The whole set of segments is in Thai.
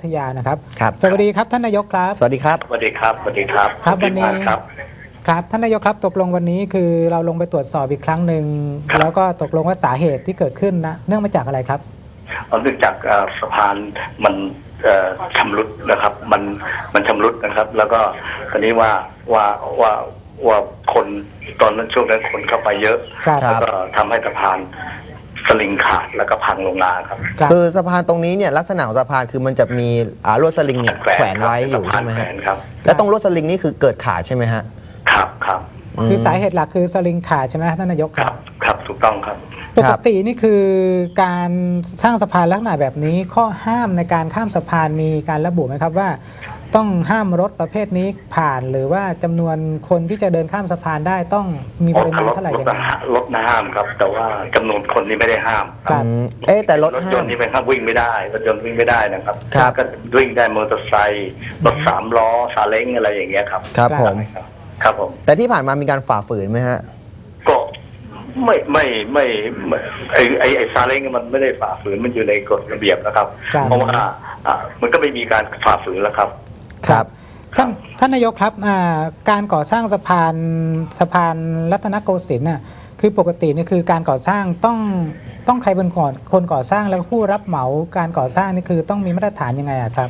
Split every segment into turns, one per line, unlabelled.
ทยานะครับ
ครับ
สวัสดีครับท่านนายกครับ
สวัสดีครับ
สวัสดีครับสวัสดีครับ
ครับวันนี้
ครับ
ครับท่านนายกครับตกลงวันนี้คือเราลงไปตรวจสอบอีกครั้งหนึ่งแล้วก็ตกลงว่าสาเหตุที่เกิดขึ้นนะเนื่องมาจากอะไรครับ
เนื่องจากสะพานมันชำรุดนะครับมันชำรุดนะครับแล้วก็ตอนนี้ว่าคนตอนนั้นช่วงนั้นคนเข้าไปเยอะแล้วก็ทำให้สะพานสลิงขาดแล้วก็พังลงมาครับ
คือสะพานตรงนี้เนี่ยลักษณะของสะพานคือมันจะมีลวดสลิงเนี่ยแขวนไว้อยู่ใช่ไหมครับแล้วตรงลวดสลิงนี่คือเกิดขาดใช่ไหมฮะ
ครับ
คือสาเหตุหลักคือสลิงขาดใช่ไหมท่านนายก
ครับถูกต้องครับ
ปกตินี่คือการสร้างสะพานลักษณะแบบนี้ข้อห้ามในการข้ามสะพานมีการระบุไหมครับว่าต้องห้ามรถประเภทนี้ผ่านหรือว่าจำนวนคนที่จะเดินข้ามสะพานได้ต้องมีปริมาณเท่าไหร่ยังไง
รถห้ามครับแต่ว่าจำนวนคนนี่ไม่ได้ห้าม
แต่รถ
ยนต์นี่เป็นห้ามวิ่งไม่ได้รถยนต์วิ่งไม่ได้นะครับก็วิ่งได้มอเตอร์ไซค์รถ3 ล้อซาเล้งอะไรอย่างเงี้ยครับ
ครับผมแต่ที่ผ่านมามีการฝ่าฝืนไหมฮะ
ก็ไม่ไอ้ซาเล้งมันไม่ได้ฝ่าฝืนมันอยู่ในกฎระเบียบนะครับเพราะว่ามันก็ไม่มีการฝ่าฝืนแล้วครับ
ครับท่านนายกครับการก่อสร้างสะพานรัตนโกสินทร์น่ะคือปกตินี่คือการก่อสร้างต้องใครเป็นคนก่อสร้างแล้วผู้รับเหมาการก่อสร้างนี่คือต้องมีมาตรฐานยังไงครับ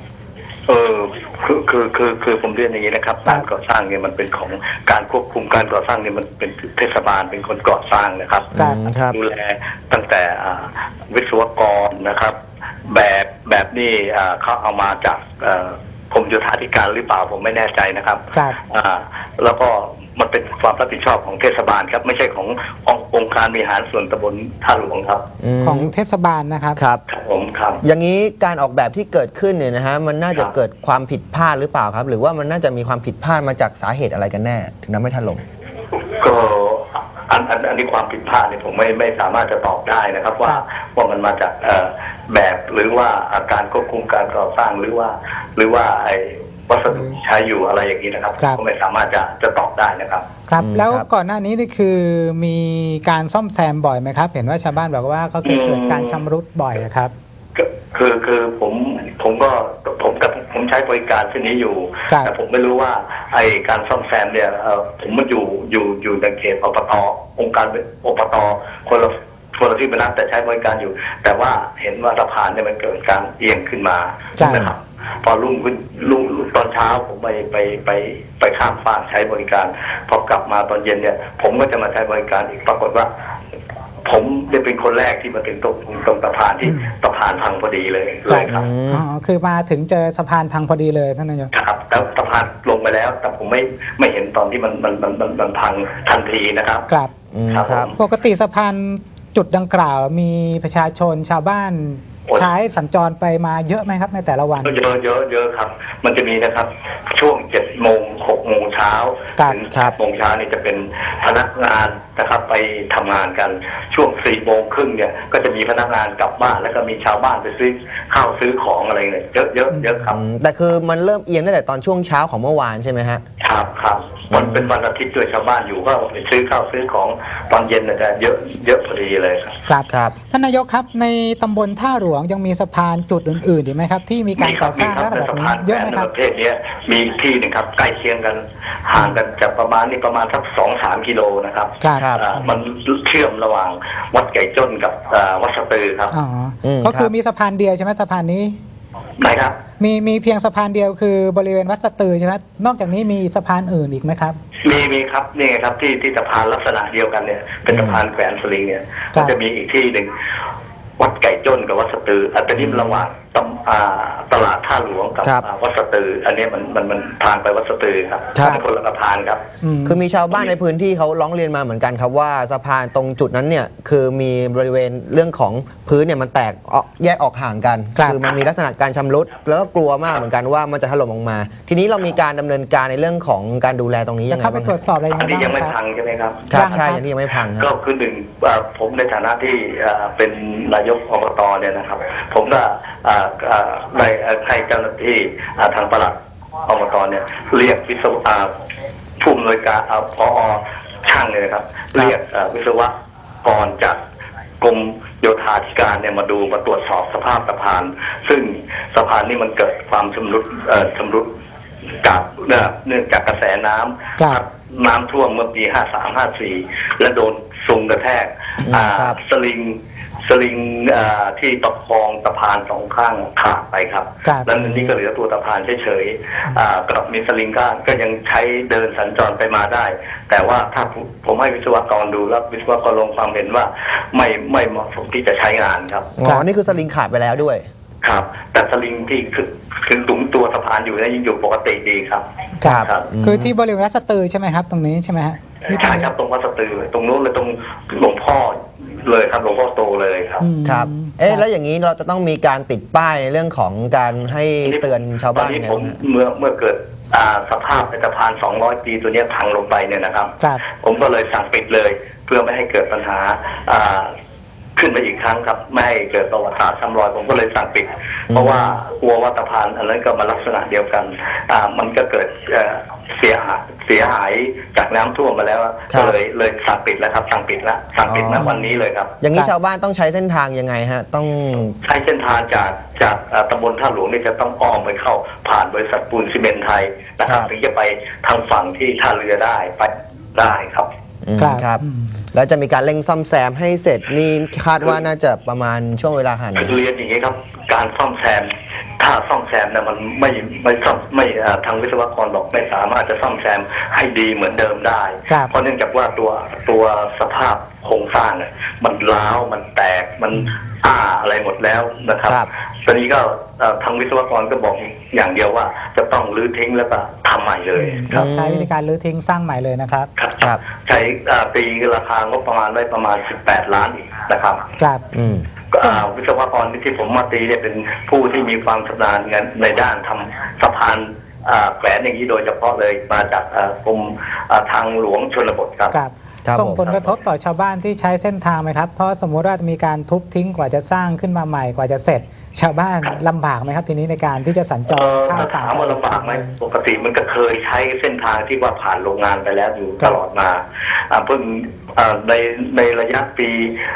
คือผมเรียนอย่างนี้นะครับการก่อสร้างเนี่ยมันเป็นของการควบคุมการก่อสร้างเนี่ยมันเป็นเทศบาลเป็นคนก่อสร้างนะครับดูแลตั้งแต่วิศวกรนะครับแบบนี้เขาเอามาจากกรมโยธาธิการหรือเปล่าผมไม่แน่ใจนะครับแล้วก็มันเป็นความรับผิดชอบของเทศบาลครับไม่ใช่ขององค์การบริหารส่วนตำบลท่าหลวงครับ
ของเทศบาลนะครับ
ครับอย่างนี้การออกแบบที่เกิดขึ้นเนี่ยนะฮะมันน่าจะเกิดความผิดพลาดหรือเปล่าครับหรือว่ามันน่าจะมีความผิดพลาดมาจากสาเหตุอะไรกันแน่ถึงทำให้ถล่ม
ก็อันนี้ความผิดพลาดเนี่ยผมไม่สามารถจะตอบได้นะครับว่ามันมาจากแบบหรือว่าการควบคุมการก่อสร้างหรือว่าไอ้วัสดุใช้อยู่อะไรอย่างนี้นะครับก็ไม่สามารถจะตอบได้นะครับ
ครับแล้วก่อนหน้านี้นี่คือมีการซ่อมแซมบ่อยไหมครับเห็นว่าชาวบ้านบอกว่าก็เกิดการชำรุดบ่อยครับ
คือผมใช้บริการที่นี้อยู่แต่ผมไม่รู้ว่าไอการซ่อมแซมเนี่ยผมมันอยู่ในเขตอบต.องค์การอบต.คนละที่เป็นนักแต่ใช้บริการอยู่แต่ว่าเห็นว่าสะพานเนี่ยมันเกิดการเอียงขึ้นมานะครับพอรุ่งตอนเช้าผมไปข้ามฟากใช้บริการพอกลับมาตอนเย็นเนี่ยผมก็จะมาใช้บริการอีกปรากฏว่าผมได้เป็นคนแรกที่มาถึงตรงสะพานที่สะพานพังพอดีเลยครับ
คือมาถึงเจอสะพานพังพอดีเลยท่านนายก
ครับแล้วสะพานลงไปแล้วแต่ผมไม่เห็นตอนที่มันพังทันทีนะครับ
ครับปกติสะพานจุดดังกล่าวมีประชาชนชาวบ้านใช้สัญจรไปมาเยอะไหมครับในแต่ละวัน
เยอะครับมันจะมีนะครับช่วง7 โมง 6 โมงเช้าถึง8 โมงเช้านี่จะเป็นพนักงานนะครับไปทำงานกันช่วง4 โมงครึ่งเนี่ยก็จะมีพนักงานกลับบ้านแล้วก็มีชาวบ้านไปซื้อข้าวซื้อของอะไรเนี่ยเยอะครับ
แต่คือมันเริ่มเอียงตั้งแต่ตอนช่วงเช้าของเมื่อวานใช่ไหมฮะ
ครับมันเป็นวันอาทิตย์ด้วยชาวบ้านอยู่ก็ไปซื้อข้าวซื้อของตอนเย็นจะเยอะพอดีเลย
ครับท่านนายกครับในตำบลท่าหลวงยังมีสะพานจุดอื่นๆอีกไหมครับที่มีการก่อสร้างลักษณะแบบนี้เยอะไหมครับ
ประเภทนี้มีที่หนึ่งครับใกล้เคียงกันห่างกันจากประมาณสัก 2-3 กิโลนะครับมันเชื่อมระหว่างวัดไก่จ้นกับวัดสะตือครับ
ก็คือมีสะพานเดียวใช่ไหมสะพานนี้
ไหนครับ
มีเพียงสะพานเดียวคือบริเวณวัดสะตือใช่ไหมนอกจากนี้มีสะพานอื่นอีกไหมครับ
มีครับนี่ไงครับที่สะพานลักษณะเดียวกันเนี่ยเป็นสะพานแขวนสลิงเนี่ยก็จะมีอีกที่หนึ่งวัดไก่จ้นกับวัดสะตืออันนี้ระหว่างตลาดท่าหลวงกับวัดสะตืออันนี้มันทางไปวัดสะตือครับคนละสะพานครับ
คือมีชาวบ้านในพื้นที่เขาร้องเรียนมาเหมือนกันครับว่าสะพานตรงจุดนั้นเนี่ยคือมีบริเวณเรื่องของพื้นเนี่ยมันแตกแยกออกห่างกันคือมันมีลักษณะการชำรุดแล้วก็กลัวมากเหมือนกันว่ามันจะถล่มลงมาทีนี้เรามีการดำเนินการในเรื่องของการดูแลตรงนี้ยังไง
บ้างครับเข้าไปตรวจสอบอะไร
อันนี้ยังไม่พังใช่ไหมครับ
ใช่อันนี้ยังไม่พัง
ก็คือหนึ่งผมในฐานะที่เป็นนายกอบต.เนี่ยนะครับผมก็ให้เจ้าหน้าที่ทางปลัดอบต.เนี่ยเรียกวิศวะผู้อำนวยการผอ.ช่างเลยนะครับเรียกวิศวกรจากกรมโยธาธิการเนี่ยมาดูมาตรวจสอบสภาพสะพานซึ่งสะพานนี่มันเกิดความชำรุดจากเนื่องจากกระแสน้ำน้ำท่วมเมื่อปี53-54และโดนซุงกระแทกสลิงที่ประคองสะพานสองข้างขาดไปครับแล้วนี่ก็เหลือตัวสะพานเฉยๆกับมีสลิงก็ยังใช้เดินสัญจรไปมาได้ แต่ว่าถ้าผมให้วิศวกรดูแล้ววิศวกรลงความเห็นว่าไม่เหมาะสมที่จะใช้งานครับ
นี่คือสลิงขาดไปแล้วด้วย
ครับแต่สลิงที่คือหลุมตัวสะพานอยู่ยังอยู่ปกติดีครับ
ครับคือที่บริเวณวัดสตือใช่ไหมครับตรงนี้ใช่ไหมฮะ
ใช่ครับตรงวัดสตือตรงนู้นเลยตรงหลวงพ่อเลยครับหลวงพ่อโตเลยครับ
ครับแล้วอย่างนี้เราจะต้องมีการติดป้ายในเรื่องของการให้เตือนชาวบ้าน
ไงผมเมื่อเกิดสภาพสะพาน200 ปีตัวนี้พังลงไปเนี่ยนะครับผมก็เลยสั่งปิดเลยเพื่อไม่ให้เกิดปัญหาขึ้นไปอีกครั้งครับไม่ให้เกิดประวัติศาสตร์ซ้ำรอยผมก็เลยสั่งปิดเพราะว่ากลัวว่าสะพานอันนั้นก็มาลักษณะเดียวกันมันก็เกิดเสียหายจากน้ำท่วมมาแล้วก็เลยสั่งปิดแล้วครับสั่งปิดณวันนี้เลยครับ
อย่างนี้ชาวบ้านต้องใช้เส้นทางยังไงฮะต้อง
ใช้เส้นทางจากตำบลท่าหลวงนี่จะต้องอ้อมไปเข้าผ่านบริษัทปูนซีเมนต์ไทยนะครับถึงจะไปทางฝั่งที่ท่าเรือได้ไปได้ครับ
ครับแล้วจะมีการเร่งซ่อมแซมให้เสร็จนี่คาดว่าน่าจะประมาณช่วงเวลาไหน
เรียนอย่างนี้ครับการซ่อมแซมถ้าซ่อมแซมเนี่ยมันไม่ทางวิศวกรบอกไม่สามารถจะซ่อมแซมให้ดีเหมือนเดิมได้เพราะเนื่องจากว่าตัวสภาพโครงสร้างเนี่ยมันร้าวมันแตกมันอะไรหมดแล้วนะครับตอนนี้ก็ทางวิศวกรก็บอกอย่างเดียวว่าจะต้องรื้อทิ้งแล้วก็ทำใหม่เลย
ใช้วิธีการรื้อทิ้งสร้างใหม่เลยนะครับ
ครับใช้ตีราคางบประมาณได้ประมาณ18 ล้านอีกนะครับ
ครับ
วิศวกรที่ผมมาตีเนี่ยเป็นผู้ที่มีความชำนาญในด้านทำสะพานแขวนอย่างนี้โดยเฉพาะเลยมาจากกรมทางหลวงชนบทครับ
ส่งผลกระทบต่อชาวบ้านที่ใช้เส้นทางไหมครับเพราะสมมติว่ามีการทุบทิ้งกว่าจะสร้างขึ้นมาใหม่กว่าจะเสร็จชาวบ้านลำบากไหมครับทีนี้ในการที่จะสัญจรข้ามฝั่ง
ถามว่าลำบากไหมปกติมันก็เคยใช้เส้นทางที่ว่าผ่านโรงงานไปแล้วอยู่ตลอดมาเพิ่งในระยะปี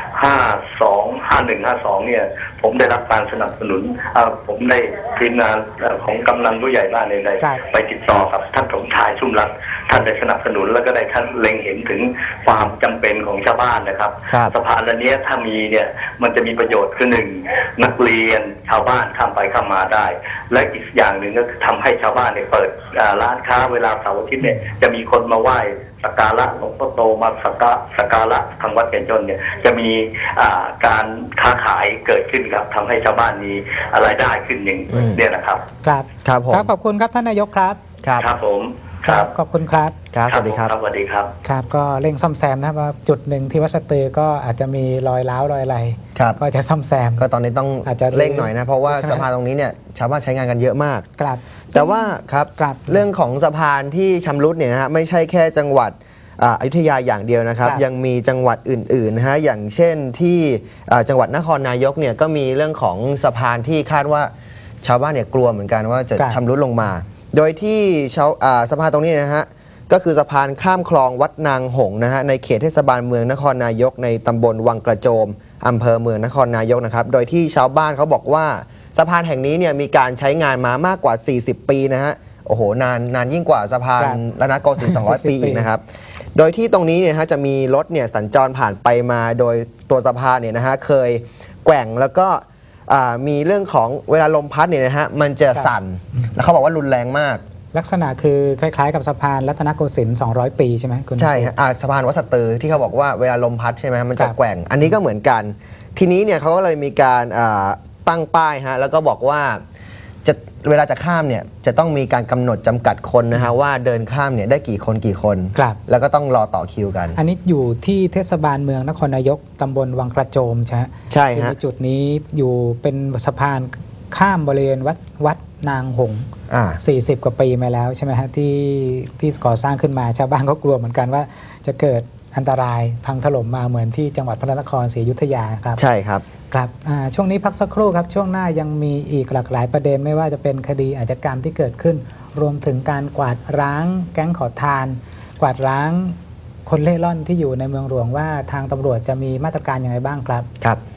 51-52เนี่ยผมได้รับการสนับสนุนผมได้ทีมงานของกำนันผู้ใหญ่บ้านในไปติดต่อกับท่านสมชายชุ่มรัตน์ท่านได้สนับสนุนแล้วก็ได้ท่านเล็งเห็นถึงความจำเป็นของชาวบ้านนะครับสะพานอันนี้ถ้ามีเนี่ยมันจะมีประโยชน์คือ1นักเรียนชาวบ้านข้ามไปข้ามมาได้และอีกอย่างหนึ่งก็ทำให้ชาวบ้านเนี่ยเปิดร้านค้าเวลาเสาร์อาทิตย์เนี่ยจะมีคนมาไหว้สักการะหลวงพ่อโตมาสักการะทางวัดเพ็ญจนเนี่ยจะมีการค้าขายเกิดขึ้นครับทำให้ชาวบ้านมีรายได้ขึ้นอย่างนี้นะครับ
ครับผมขอบคุณครับท่านนายกครับ
ครับผม
ขอบคุณครับ
สวัสดีครับ
สวัสดีครับ
ครับก็เร่งซ่อมแซมนะครับว่าจุดหนึ่งที่วัดสตือก็อาจจะมีรอยร้าวรอยอะไรก็จะซ่อมแซม
ก็ตอนนี้ต้องเร่งหน่อยนะเพราะว่าสะพานตรงนี้เนี่ยชาวบ้านใช้งานกันเยอะมากแต่ว่าครับเรื่องของสะพานที่ชำรุดเนี่ยนะฮะไม่ใช่แค่จังหวัดอยุธยาอย่างเดียวนะครับยังมีจังหวัดอื่นๆนะฮะอย่างเช่นที่จังหวัดนครนายกเนี่ยก็มีเรื่องของสะพานที่คาดว่าชาวบ้านเนี่ยกลัวเหมือนกันว่าจะชำรุดลงมาโดยที่สะพานตรงนี้นะฮะก็คือสะพานข้ามคลองวัดนางหงนะฮะในเขตเทศบาลเมืองนครนายกในตำบลวังกระโจมอำเภอเมืองนครนายกนะครับโดยที่ชาวบ้านเขาบอกว่าสะพานแห่งนี้เนี่ยมีการใช้งานมามากกว่า40 ปีนะฮะโอ้โหนานยิ่งกว่าสะพานรัตนโกสินทร์200 ปีอีกนะครับโดยที่ตรงนี้เนี่ยฮะจะมีรถเนี่ยสัญจรผ่านไปมาโดยตัวสะพานเนี่ยนะฮะเคยแกว่งแล้วก็มีเรื่องของเวลาลมพัดเนี่ยนะฮะมันจะสั่นแล้วเขาบอกว่ารุนแรงมาก
ลักษณะคือคล้ายๆกับสะพานรัตนโกสินทร์200 ปีใช่ไหมคุณ
ใช่ฮะสะพานวัดสตือที่เขาบอกว่าเวลาลมพัดใช่ไหมมันจะแกว่งอันนี้ก็เหมือนกันทีนี้เนี่ยเขาก็เลยมีการตั้งป้ายฮะแล้วก็บอกว่าเวลาจะข้ามเนี่ยจะต้องมีการกำหนดจำกัดคนนะฮะว่าเดินข้ามเนี่ยได้กี่คนแล้วก็ต้องรอต่อคิวกัน
อันนี้อยู่ที่เทศบาลเมืองนครนายกตำบลวังกระโจมใช่ฮะจุดนี้อยู่เป็นสะพานข้ามบริเวณวัดนางหง40 กว่าปีมาแล้วใช่ไหมฮะที่ก่อสร้างขึ้นมาชาวบ้านก็กลัวเหมือนกันว่าจะเกิดอันตรายพังถล่มมาเหมือนที่จังหวัดพระนครศรีอยุธยาครับ
ใช่ครับ
ครับช่วงนี้พักสักครู่ครับช่วงหน้ายังมีอีกหลากหลายประเด็นไม่ว่าจะเป็นคดีอาชญากรรมที่เกิดขึ้นรวมถึงการกวาดร้างแก๊งขอทานกวาดร้างคนเล่ร่อนที่อยู่ในเมืองหลวงว่าทางตำรวจจะมีมาตรการอย่างไรบ้างครับ